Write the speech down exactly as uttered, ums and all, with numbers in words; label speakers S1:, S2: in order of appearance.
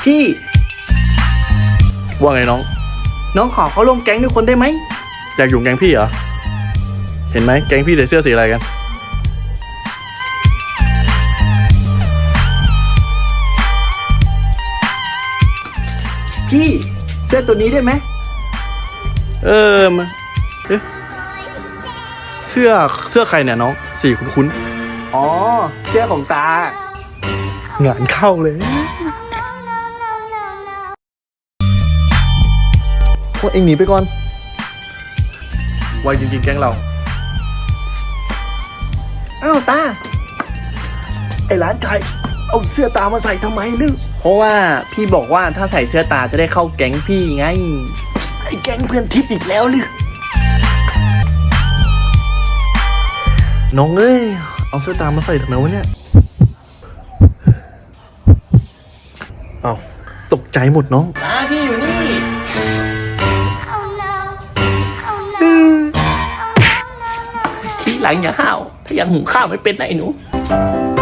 S1: พี่
S2: ว่าไงน้อง
S1: น้องขอเขาร่วมแก๊งด้วยคนได้ไหม
S2: อยากอยู่แก๊งพี่เหรอเห็นไหมแก๊งพี่ใส่เสื้อสีอะไรกัน
S1: พี่เสื้อตัวนี้ได้ไหม
S2: เออมาเอ๊ะเสื้อเสื้อใครเนี่ยน้องสีคุ้นๆ
S1: อ๋อเสื้อของตาง
S2: านเข้าเลยพวกเอ็งหนีไปก่อนไวจริงๆแก๊งเรา
S1: อ้าวตาไอ้ร้านชายเอาเสื้อตามาใส่ทำไมลึกเพราะว่าพี่บอกว่าถ้าใส่เสื้อตาจะได้เข้าแก๊งพี่ไงไอ้แก๊งเพื่อนทิพย์อีกแล้วลึก
S2: น้องเอ้ยเอาเสื้อตามมาใส่ทำไมวะเนี่ยเอาตกใจหมดน้อง
S1: ตาพี่อยู่นี่ทีหลังอย่าห้าวถ้ายังหุงข้าวไม่เป็นนะไอ้หนู